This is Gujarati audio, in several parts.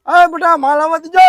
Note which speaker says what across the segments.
Speaker 1: અરે બેટા માલાવતી જય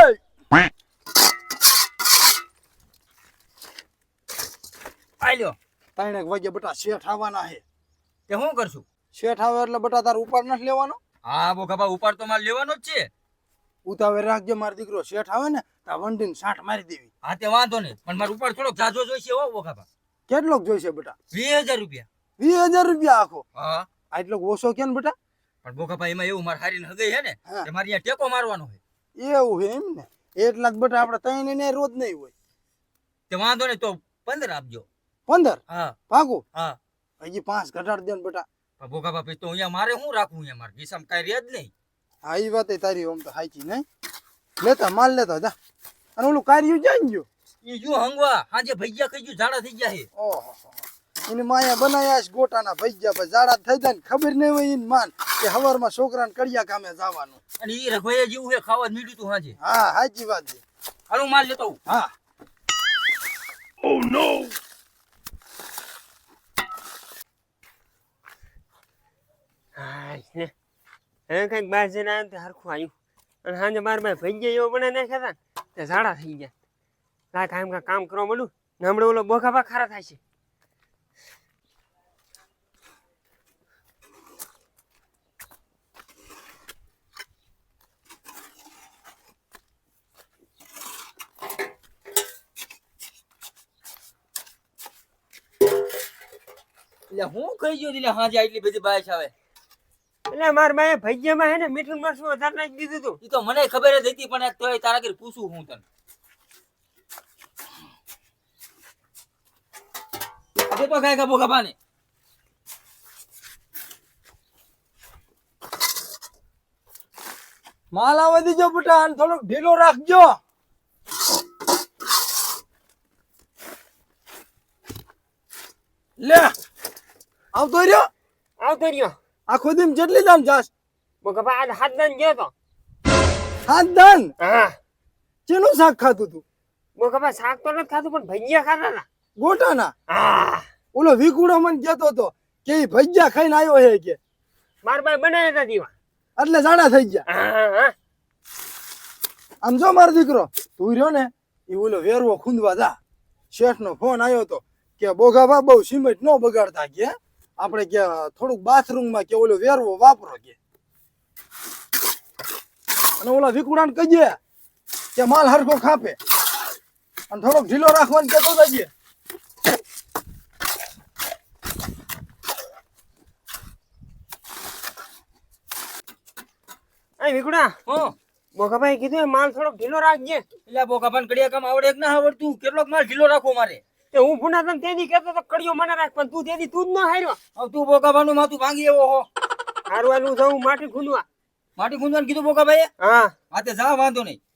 Speaker 2: આલ્યો
Speaker 1: 3 વાગે બેટા શેઠ આવવાના છે.
Speaker 2: તે હું કરશું?
Speaker 1: શેઠ આવે એટલે બેટા તાર ઉપાડ નથી લેવાનો.
Speaker 2: હા બોખાબા ઉપાડ તો મારે લેવાનો જ છે.
Speaker 1: ઉતાવળ રાખજે મારો દીકરો શેઠ આવે ને તો વંડીને સાઠ મારી દેવી.
Speaker 2: હા તે વાંધો નહીં, પણ મારે ઉપાડ થોડોક જાજો જોઈશે હો બોખાબા.
Speaker 1: કેટલોક જોઈશે બેટા?
Speaker 2: 20,000 રૂપિયા.
Speaker 1: 20,000 રૂપિયા આખો?
Speaker 2: હા
Speaker 1: આટલો ઓછો કેમ બેટા?
Speaker 2: પણ બોખાબા એમાં એવું મારે હારીને હગઈ છે ને કે મારે અહીંયા ટેકો મારવાનો છે.
Speaker 1: એવું છે એમ ને? એટલા જ બેટા આપણે ત્રણ ને રોજ નહીં હોય.
Speaker 2: તે વાંધો નહીં, તો 15 આપજો.
Speaker 1: 15?
Speaker 2: હા
Speaker 1: પાકું?
Speaker 2: હા.
Speaker 1: હજી 5 ઘટાડ દે ને બેટા.
Speaker 2: પણ બોખાબા પછી તો અહીંયા મારે શું રાખવું? અહીંયા મારે ખિસ્સામાં કાંઈ રહે જ નહીં.
Speaker 1: હા એ વાત તારી આમ તો સાચી નહીં. લેતા માલ લેતા જા. અને ઓલું કાર્યું જાય ગયો
Speaker 2: એ જો હંગવા હાજે ભૈયા કઈ ગયું ઝાડા થઈ ગયા છે.
Speaker 1: ઓહો એની માયા બનાયા છે ગોટાના ભૈયા પછી ઝાડા થઈ જાય ને ખબર નહીં હોય એને માન કે હવારમાં છોકરાને કડિયા કામે જવાનું.
Speaker 2: અને એ રખવાયા જેવું છે, ખાવા જ મીઠું તું હાજે.
Speaker 1: હા સાચી વાત છે.
Speaker 2: હાલો માલ લેતો આવું.
Speaker 1: હા.
Speaker 3: Oh no!
Speaker 4: હા ને હવે કંઈક બહાર જઈને આવ્યો તો હરખું આવ્યું. અને સાંજે મારા ભાઈ ભૈયા એવો બને નાખ્યા હતા ને તે ઝાડા થઈ ગયા. લાય કામ કરવા મળ્યું ને હમણાં ઓલો બોખાબા ખારા થાય છે.
Speaker 2: એટલે હું કહી ગયો એટલે હાજે આટલી બધી બાયસ આવે.
Speaker 4: એટલે મારા ભાઈ ભૈયામાં હે ને મીઠું મરચું વધારે નાખી દીધું હતું.
Speaker 2: એ તો મને ખબર જ હતી, પણ તોય તારા ઘરે પૂછું હું તને. આજે તો કાંઈ કાબો ખબાને.
Speaker 1: માલ આવવા દીજો બેટા અને થોડોક ઢીલો રાખજો. લે આવતો રહ્યો.
Speaker 4: આવતો રહ્યો.
Speaker 1: આખો દિન જેટલી દાન જાસ?
Speaker 4: બોખાબા આજ હાથ દાન ગયો તો.
Speaker 1: હાથ દાન?
Speaker 4: હા.
Speaker 1: ચેનું શાક ખાતું તું?
Speaker 4: બોખાબા શાક તો નથી ખાતું પણ ભૈયા ખાતા હતા.
Speaker 1: ગોટાના?
Speaker 4: હા.
Speaker 1: ઓલો વિકુડો મને કહેતો હતો કે ઈ ભજીયા ખાઈને આવ્યો છે કે
Speaker 4: મારા ભાઈ બનાવ્યા હતા દીવા.
Speaker 1: એટલે જાડા થઈ ગયા.
Speaker 4: હા હા.
Speaker 1: આમ જો મારો દીકરો તું રહ્યો ને એ ઓલો વેરવો ખૂંદવા જા. શેઠ નો ફોન આવ્યો તો કે બોગાબા બહુ સિમેન્ટ ન બગાડતા કે આપણે કે થોડુંક બાથરૂમમાં કે ઓલો વેરવો વાપરો કે. અને ઓલા વિકુડાને કહીએ કે માલ હરખો ખાપે અને થોડોક ઢીલો રાખવાનું કહેતો જઈએ.
Speaker 4: એ વિકુડા
Speaker 2: હું
Speaker 4: બોખાભાઈ કીધું એ માલ થોડોક ઢીલો રાખજે.
Speaker 2: એટલે બોખાબાને કડિયા કામ આવડે કે ના આવડતું? કેટલોક માલ ઢીલો રાખવો મારે?
Speaker 4: તે હું ભૂના તને તેદી કહેતો તો કડિયો મને રાખ પણ તું તેદી તું જ ન હાર્યો.
Speaker 2: હવે તું બોખાબાનું માથું ભાંગી એવો હો.
Speaker 4: હારું હાલું જવું માટી ખૂંદવા.
Speaker 2: માટી ગુંજવાનું કીધું બોખાભાઈએ?
Speaker 4: હા.
Speaker 2: હા તે જા, વાંધો નહીં.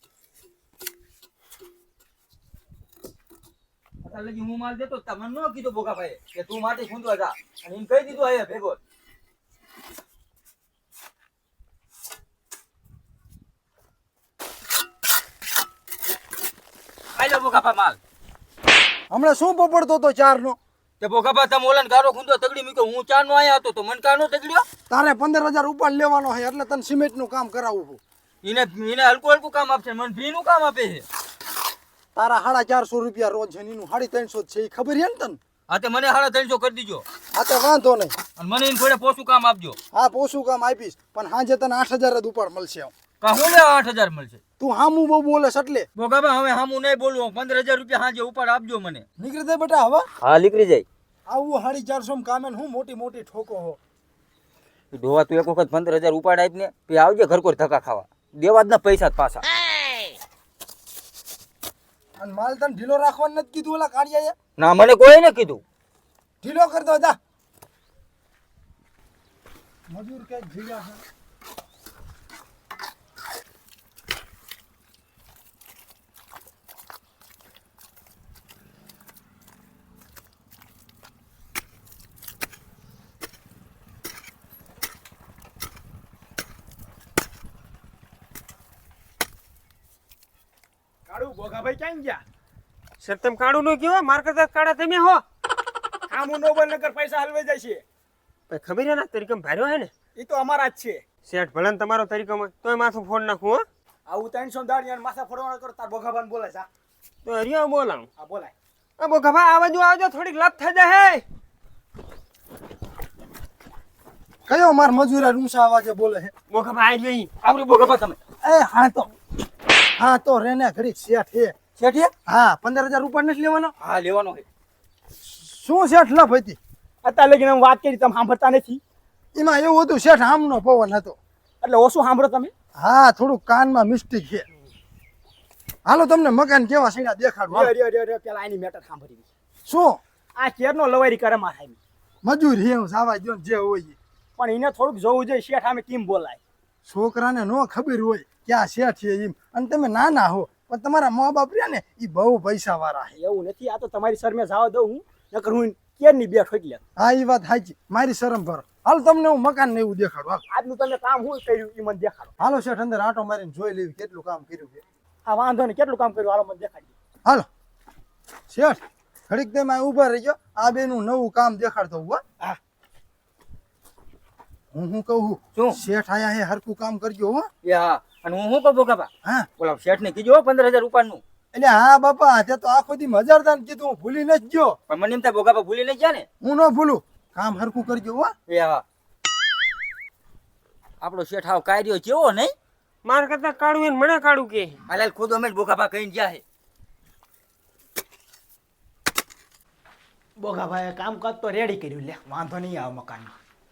Speaker 2: અત્યારે લગી હું માલ દેતો તમને ન કીધું બોખાભાઈએ કે તું માટી ખૂંદવા જા, અને એમ કહી દીધું અહીંયા ભેગો. આલ્યો બોખાબા માલ.
Speaker 1: હમણાં શું પપડતો હતો ચાર નો?
Speaker 2: તે બોખાબા તમે ઓલાને ગારો ખૂંદો તગડી મૂક્યો, હું 4 નો આયા હતો તો મને કાનો તગડ્યો.
Speaker 1: તારે 15,000 ઉપાડ લેવાનો છે એટલે તને સિમેન્ટ નું કામ કરાવવું.
Speaker 2: એને હલકું હલકું કામ આપશે, મને ફી નું કામ આપે છે.
Speaker 1: તારા 450 રૂપિયા રોજ છે એનું 350 છે એ ખબર છે ને તને?
Speaker 2: હા તે મને 350 કરી દીજો,
Speaker 1: હા તો વાંધો નહીં.
Speaker 2: અને મને એને થોડે પોસું કામ આપજો.
Speaker 1: હા પોસું કામ આપીશ પણ સાંજે તને 8,000 જ ઉપાડ મળશે.
Speaker 2: કા હું લે 8,000 મળશે?
Speaker 1: તું હામું બહુ બોલે એટલે
Speaker 2: બોખાબા હવે હામું નહીં બોલવું, 15,000 રૂપિયા હાજે ઉપાડ આપજો મને.
Speaker 1: નીકળી દે બેટા. હવે
Speaker 2: હા નીકળી જાય.
Speaker 1: આવું 450 કામે હું મોટી મોટી ઠોકો હો.
Speaker 2: ધોવા તું એક વખત 15,000 ઉપાડ આપને, પછી આવજે ઘરકોર ધક્કા ખાવા. દેવા જ ના પૈસા જ પાછા.
Speaker 1: અને માલ તને ઢીલો રાખવાનું નથી કીધું ઓલા કાઢિયાએ?
Speaker 2: ના મને કોઈ ને કીધું.
Speaker 1: ઢીલો કરી દો જા. મજૂર કે ભીગા છે.
Speaker 3: કાળુ બોગાભાઈ ક્યાં ગયા?
Speaker 4: સર તમે કાળું નો કહેવાય માર કરતા કાળા તમે હો.
Speaker 3: આમુ નો નગર પૈસા હલવાઈ જાય છે.
Speaker 4: ભાઈ ખબર છે ને તરીકમ ભાર્યો હે ને
Speaker 3: એ તો અમારા જ છે.
Speaker 4: શેઠ ભલે ને તમારો તરીકમ હોય તોય માથું ફોન નાખું હો.
Speaker 3: આવું 300 દાડી અને માથા ફોડવાના કરો તાર બોખાબાને બોલાય જા.
Speaker 4: તો હરિયો બોલાવું.
Speaker 3: આ બોલાય.
Speaker 4: આ બોખાબા આ બાજુ આવજો, થોડીક લપ થઈ જાય.
Speaker 1: કયો માર મજૂરા ઊંચા અવાજે બોલે છે?
Speaker 4: બોખાબા આવી ગઈ.
Speaker 2: આપણે બોગાબા તમે
Speaker 1: એ હા તો રેને ઘડીક શેઠ હે.
Speaker 2: શેઠ હે?
Speaker 1: હા 15,000 રૂપિયા નથી લેવાનો.
Speaker 2: હા લેવાનો છે.
Speaker 1: શું શેઠ લફ હતી?
Speaker 3: અત્યારે લગીને હું વાત કરી તમે સાંભળતા નથી.
Speaker 1: એમાં એવું હતું શેઠ આમનો પવન હતો.
Speaker 3: એટલે ઓછું સાંભળો તમે.
Speaker 1: હા થોડુંક કાનમાં મિસ્ટેક છે. હાલો તમને મકાન કેવા સીડા દેખાડું હાલો.
Speaker 3: રે પેલા આની મેટર સાંભળી.
Speaker 1: શું
Speaker 3: આ કેરનો લવારી કરે મારા સાહેબ.
Speaker 1: મજૂર હે હું સાવા દો જે હોય ઈ.
Speaker 3: પણ એને થોડુંક જોવું જોઈએ શેઠ સામે કેમ બોલાય.
Speaker 1: છોકરાને નો ખબર હોય કે આ શેઠ છે એમ, અને તમે નાના હો પણ તમારા મા બાપ રહ્યા ને એ બહુ પૈસા વાળા છે.
Speaker 3: એવું નથી, આ તો તમારી શરમે જવા દઉં હું, નકર હું કેરની બે ઠોકી લે.
Speaker 1: હા એ વાત સાચી, મારી શરમ ભરો. હાલ તમને હું મકાન ને એવું દેખાડું હાલ.
Speaker 3: આજનું તમે કામ હું કર્યું એ મને દેખાડો.
Speaker 1: હાલો શેઠ અંદર આંટો મારીને જોઈ લેવી કેટલું કામ કર્યું છે.
Speaker 3: હા વાંધો નહીં, કેટલું કામ કર્યું હાલો મને દેખાડી.
Speaker 1: હાલો શેઠ ઘડીક તમે ઊભા રહી ગયો, આ બેનું નવું કામ દેખાડતો હું હો.
Speaker 3: હા.
Speaker 1: હું કહું
Speaker 2: શું?
Speaker 1: શેઠ આયા હે હરકું કામ કરજો હો.
Speaker 2: એ હા, અને હું શું કહું બોગાબા,
Speaker 1: હા
Speaker 2: ઓલા શેઠને કીધું હો 15,000 રૂપિયાનું.
Speaker 1: એટલે હા બાપા તે તો આખો દી મજારદાર કીધું, હું ભૂલી નથી ગયો.
Speaker 2: પણ મને એમ થાય બોગાબા ભૂલી નહીં ગયા ને.
Speaker 1: હું ન ભૂલું, કામ હરકું કરજો હો.
Speaker 2: એ હા, આપણો શેઠ હાવ કાઢ્યો કેવો નહીં?
Speaker 4: માર કરતા કાઢું એને મને કાઢું કે.
Speaker 2: હાલ ખુદ અમે જ બોગાબા કહીને ગયા છે.
Speaker 3: બોગાભાઈ કામકાજ તો રેડી કર્યું, લે વાંધો નહીં આવે મકાનમાં.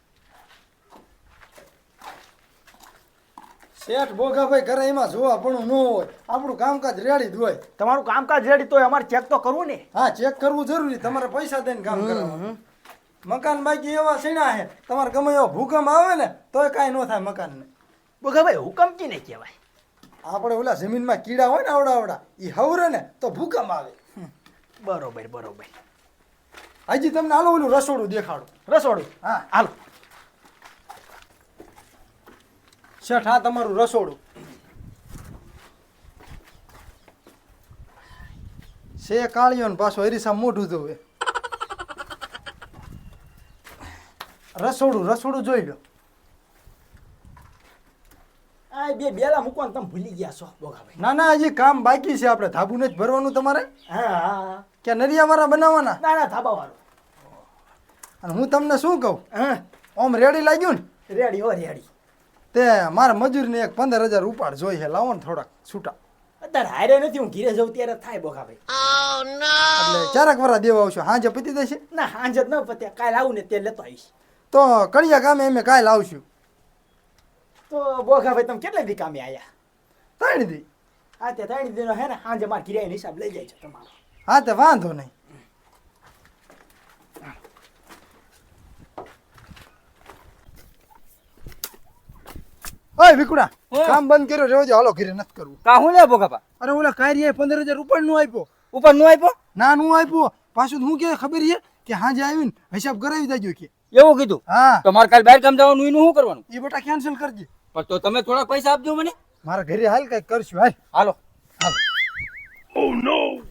Speaker 1: શેઠ બોગાભાઈ ઘરે એમાં જોવા પણ ન હોય, આપણું કામકાજ રેડી જ હોય.
Speaker 3: તમારું કામકાજ રેડી તો અમારે ચેક તો કરવું ને.
Speaker 1: હા ચેક કરવું જરૂરી, તમારે પૈસા દઈને કામ કરાવવાનું. મકાન બાકી એવા સીણા છે, તમારે ગમે એવો ભૂકંપ આવે ને તોય કાંઈ ન થાય મકાનને.
Speaker 3: બોગાભાઈ હુકમ કી ને કહેવાય.
Speaker 1: આપણે ઓલા જમીનમાં કીડા હોય ને આવડા એ હવરે ને તો ભૂકંપ આવે.
Speaker 3: બરોબર બરોબર.
Speaker 1: હજી તમને હાલો ઓલું રસોડું દેખાડું.
Speaker 3: રસોડું
Speaker 1: હા
Speaker 3: હાલો.
Speaker 1: શેઠ આ તમારું રસોડું છે. કાળિયો ને પાછો હરીસા મોઢું ધોવે. રસોડું જોઈ લો.
Speaker 3: આ બે બેલા મૂકવાનું તમે ભૂલી ગયા છો બોગાભાઈ.
Speaker 1: ના ના હજી કામ બાકી છે, આપણે ધાબુ નથી ભરવાનું તમારે
Speaker 3: હા હા.
Speaker 1: કે નરિયાવાળા બનાવવાના.
Speaker 3: ના ના ધાબા વાળો.
Speaker 1: અને હું તમને શું કહું,
Speaker 3: હા
Speaker 1: ઓમ રેડી લાગ્યું ને
Speaker 3: રેડી હો રેડી.
Speaker 1: તે મારા મજૂરને એક 15,000 ઉપાડ જોઈ છે, લાવો ને થોડાક છૂટા.
Speaker 3: અત્યારે હારે નથી, હું ઘીરે જઉં ત્યારે થાય બોગાભાઈ.
Speaker 1: એટલે ચારક વરા દેવા આવશો, હાજે પતી દેશે.
Speaker 3: ના હાંજે જ ન પત્યા, કાલે આવું ને તે લેતો આવીશ.
Speaker 1: તો કડિયા ગામે અમે કાલ આવશું.
Speaker 3: તો બોગાભાઈ તમે કેટલા દી કામે આયા?
Speaker 1: 3 દી.
Speaker 3: હા તે 3 દીનો હે ને હાંજે માર ઘીરે હિસાબ લઈ જાય છે તમારો.
Speaker 1: હા તે વાંધો નહીં. ઓય વિકુડા
Speaker 2: હા.
Speaker 1: કામ બંધ કર્યો રેવજો, હાલો ઘરે નથી કરવું.
Speaker 2: કા હું લે બોગાબા
Speaker 1: અરે ઓલા કાર્યએ 15,000 રૂપિયા નું આપ્યો.
Speaker 2: ઉપર નો આપ્યો?
Speaker 1: ના નું આપ્યો પાછું. હું કે ખબર છે કે હાજે આવીને હિસાબ કરાવી દેજો કે.
Speaker 2: એવું કીધું?
Speaker 1: હા
Speaker 2: તો મારે કાલ બહાર કામ જવાનું એનું શું કરવાનું?
Speaker 1: એ બેટા કેન્સલ કરજે.
Speaker 2: પણ તો તમે થોડા પૈસા આપજો મને.
Speaker 1: મારા ઘરે હાલ કઈક કરશું હાલ.
Speaker 2: હાલો.
Speaker 1: હાલ.